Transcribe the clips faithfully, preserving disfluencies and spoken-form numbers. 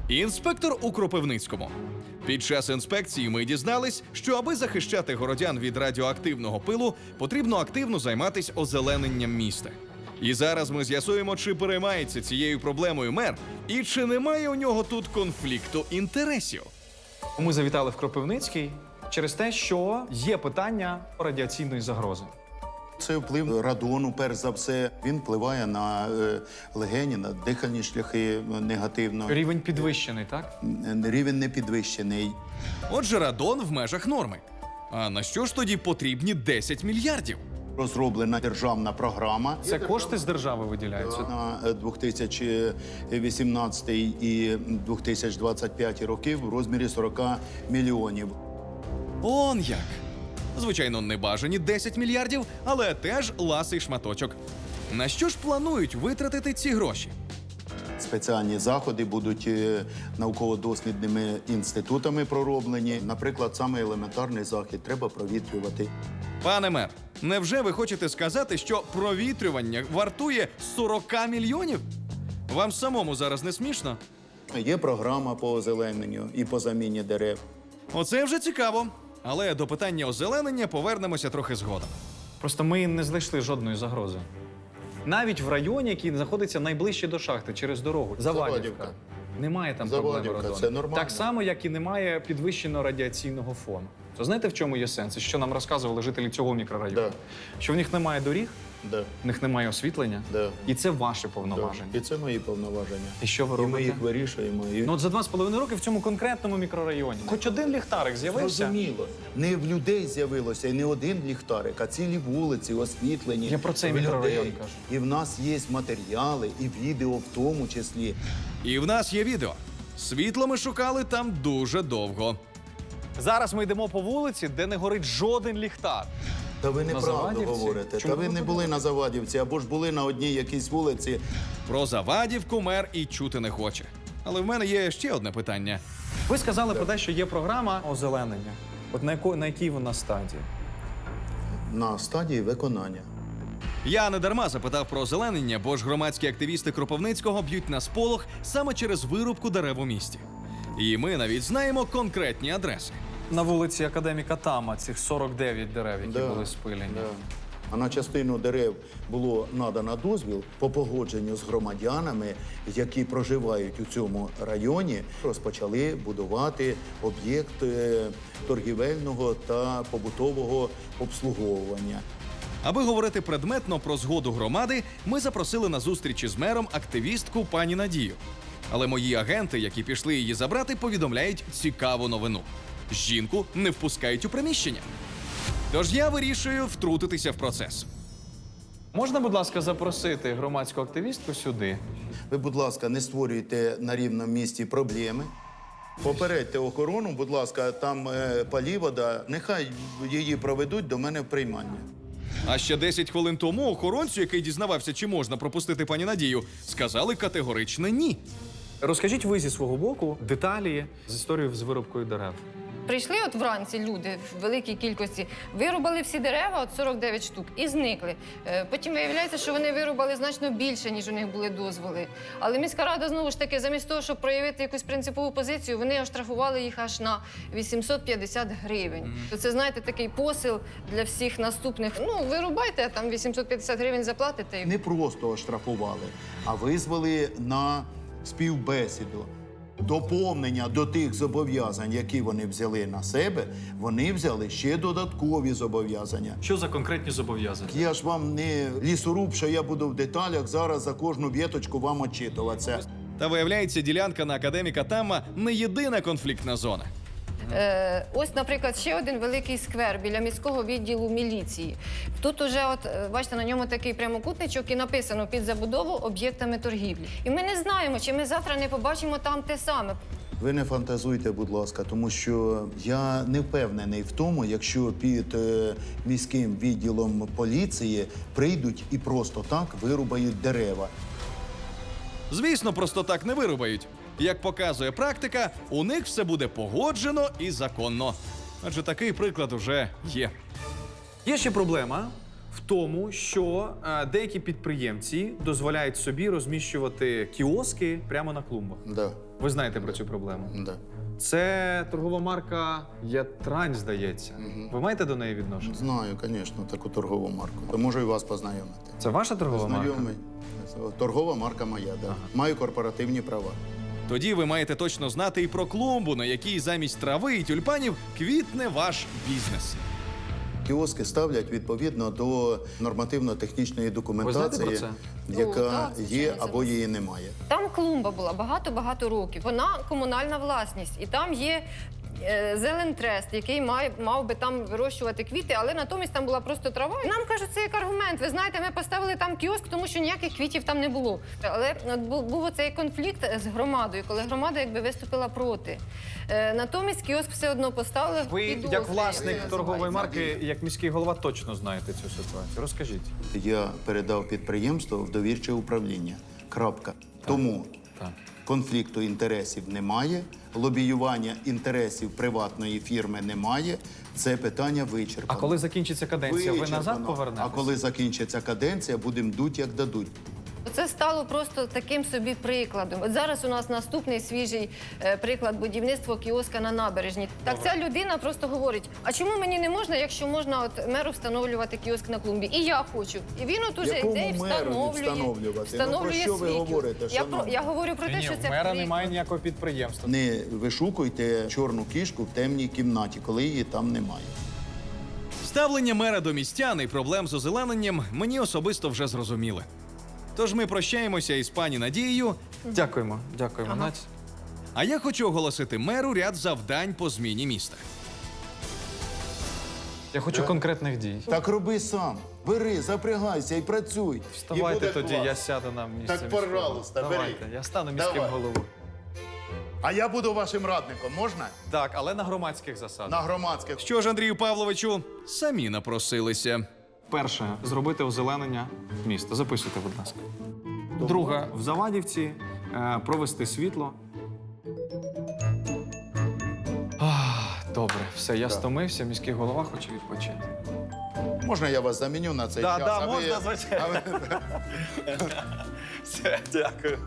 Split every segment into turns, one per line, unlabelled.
Інспектор у Кропивницькому. Під час інспекції ми дізнались, що аби захищати городян від радіоактивного пилу, потрібно активно займатися озелененням міста. І зараз ми з'ясуємо, чи переймається цією проблемою мер, і чи немає у нього тут конфлікту інтересів.
Ми завітали в Кропивницький через те, що є питання радіаційної загрози.
Це вплив радону, перш за все. Він впливає на е, легені, на дихальні шляхи негативно.
Рівень підвищений, так?
Рівень не підвищений.
Отже, радон в межах норми. А на що ж тоді потрібні десять мільярдів?
Розроблена державна програма.
Це кошти з держави виділяються.
На дві тисячі вісімнадцятий і дві тисячі двадцять п'ятий роки в розмірі сорок мільйонів.
Он як! Звичайно, не бажані десять мільярдів, але теж ласий шматочок. На що ж планують витратити ці гроші?
Спеціальні заходи будуть е, науково-дослідними інститутами пророблені. Наприклад, саме елементарний захід треба провітрювати.
Пане мер, невже ви хочете сказати, що провітрювання вартує сорок мільйонів? Вам самому зараз не смішно?
Є програма по озелененню і по заміні дерев.
Оце вже цікаво. Але до питання озеленення повернемося трохи згодом.
Просто ми не знайшли жодної загрози. Навіть в районі, який знаходиться найближче до шахти, через дорогу. Завадівка.
Завадівка.
Немає там проблеми
Завадівка,
радону.
це нормально.
Так само, як і немає підвищеного радіаційного фону. То знаєте, в чому є сенс? І що нам розказували жителі цього мікрорайону?
Да.
Що в них немає доріг,
Да.
в них немає освітлення.
Да.
І це ваше
Да.
повноваження.
І це мої повноваження.
І що ви
І ми
робите?
їх вирішуємо. І...
Ну от за два з половиною роки в цьому конкретному мікрорайоні. Хоч один ліхтарик з'явився?
Зрозуміло. Не в людей з'явилося і не один ліхтарик, а цілі вулиці освітлені.
Я про цей
в
мікрорайон
людей.
кажу.
І в нас є матеріали, і відео в тому числі.
І в нас є відео. Світло ми шукали там дуже довго.
Зараз ми йдемо по вулиці, де не горить жоден ліхтар.
Та ви неправду
Завадівці?
говорите.
Чому
Та ви
ви
не були на Завадівці, або ж були на одній якійсь вулиці.
Про Завадівку мер і чути не хоче. Але в мене є ще одне питання.
Ви сказали про те, що є програма озеленення. От на, яко, на якій вона стадії?
На стадії виконання.
Я не дарма запитав про озеленення, бо ж громадські активісти Кропивницького б'ють на сполох саме через вирубку дерев у місті. І ми навіть знаємо конкретні адреси.
На вулиці Академіка Тама цих сорок дев'ять дерев, які
Да,
були спилені.
да. А на частину дерев було надано дозвіл по погодженню з громадянами, які проживають у цьому районі, розпочали будувати об'єкт е, торгівельного та побутового обслуговування.
Аби говорити предметно про згоду громади, ми запросили на зустріч із мером активістку пані Надію. Але мої агенти, які пішли її забрати, повідомляють цікаву новину. Жінку не впускають у приміщення. Тож я вирішую втрутитися в процес.
Можна, будь ласка, запросити громадську активістку сюди?
Ви, будь ласка, не створюйте на рівному місці проблеми. Попередьте охорону, будь ласка, там е, палівода, нехай її проведуть до мене в приймання.
А ще десять хвилин тому охоронцю, який дізнавався, чи можна пропустити пані Надію, сказали категорично ні.
Розкажіть ви зі свого боку деталі з історією з вирубкою дерев.
Прийшли от вранці люди в великій кількості, вирубали всі дерева, от сорок дев'ять штук, і зникли. Е, Потім виявляється, що вони вирубали значно більше, ніж у них були дозволи. Але міська рада, знову ж таки, замість того, щоб проявити якусь принципову позицію, вони оштрафували їх аж на вісімсот п'ятдесят гривень. Mm. Це, знаєте, такий посил для всіх наступних. Ну, вирубайте, а там вісімсот п'ятдесят гривень заплатите.
Не просто оштрафували, а визвали на співбесіду. Доповнення до тих зобов'язань, які вони взяли на себе, вони взяли ще додаткові зобов'язання.
Що за конкретні зобов'язання?
Я ж вам не лісоруб, що я буду в деталях зараз за кожну віточку вам отчитуватися.
Та виявляється, ділянка на академіка Тамма не єдина конфліктна зона.
Е, ось, наприклад, ще один великий сквер біля міського відділу міліції. Тут уже, от, е, бачите, на ньому такий прямокутничок і написано «Під забудову об'єктами торгівлі». І ми не знаємо, чи ми завтра не побачимо там те саме.
Ви не фантазуйте, будь ласка, тому що я не впевнений в тому, якщо під е, міським відділом поліції прийдуть і просто так вирубають дерева.
Звісно, просто так не вирубають. Як показує практика, у них все буде погоджено і законно. Адже такий приклад уже є.
Є ще проблема в в тому, що е, деякі підприємці дозволяють собі розміщувати кіоски прямо на клумбах.
Да,
Ви знаєте про цю проблему?
да.
Це торгова марка Ятрань, здається. Ви маєте до неї відношення?
Знаю, звісно, таку торгову марку. То можу і вас познайомити.
Це ваша торгова марка?
Знайомий. Торгова марка моя, да. Маю корпоративні права.
Тоді ви маєте точно знати і про клумбу, на якій замість трави і тюльпанів квітне ваш бізнес.
Кіоски ставлять відповідно до нормативно-технічної документації,
про це?
яка
О, так, звичайно,
є
це
або її немає.
Там клумба була багато-багато років. Вона комунальна власність. І там є е, зелентрест, який має, мав би там вирощувати квіти, але натомість там була просто трава. І нам кажуть, це як аргумент. Ви знаєте, ми поставили там кіоск, тому що ніяких квітів там не було. Але от бу- був оцей конфлікт з громадою, коли громада якби виступила проти. Е, натомість кіоск все одно поставили.
Ви,
під
як
дозвіл,
власник
як
торгової
називається.
марки, як міський голова, точно знаєте цю ситуацію. Розкажіть.
Я передав підприємство в довірче управління. Крапка. Тому
Так.
конфлікту інтересів немає, лобіювання інтересів приватної фірми немає. Це питання
А
вичерпано.
коли закінчиться каденція, ви назад
Вичерпано.
повернетесь?
А коли закінчиться каденція, будемо дуть, як дадуть.
Це стало просто таким собі прикладом. От зараз у нас наступний свіжий е, приклад будівництва кіоска на набережні. Так ця людина просто говорить: а чому мені не можна, якщо можна от меру встановлювати кіоск на клумбі? І я хочу. І він от уже
Якому
йде і
меру
встановлює.
встановлювати?
встановлює
Ну, про що ви
свій
говорите,
кіоск. Я, про,
шановні?
я говорю про те,
Ні,
що
в
це
мера
приклад.
немає ніякого підприємства.
Не вишукуйте чорну кішку в темній кімнаті, коли її там немає.
Ставлення мера до містян і проблем з озелененням мені особисто вже зрозуміли. Тож ми прощаємося із пані Надією,
Дякуємо, дякуємо,
Ага.
Надь.
а я хочу оголосити меру ряд завдань по зміні міста.
Я хочу конкретних дій.
Так роби сам. Бери, запрягайся і працюй. І
Вставайте
буде
тоді,
клас.
я сяду на місце.
Так,
міського.
пожалуйста, бери.
Давайте, я стану міським
Давай.
головою.
А я буду вашим радником, можна?
Так, але на громадських засадах.
На громадських.
Що ж, Андрію Павловичу, самі напросилися.
Перше, зробити озеленення міста. Записуйте, будь ласка. Друге, в Завадівці е, провести світло. Ах, добре, все, я стомився, міський голова хоче відпочити.
Можна я вас заміню на цей
Да,
час?
да,
а ви-
можна, звичайно.
а ви-
Все, дякую.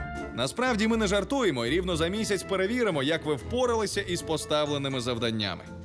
Насправді ми не жартуємо і рівно за місяць перевіримо, як ви впоралися із поставленими завданнями.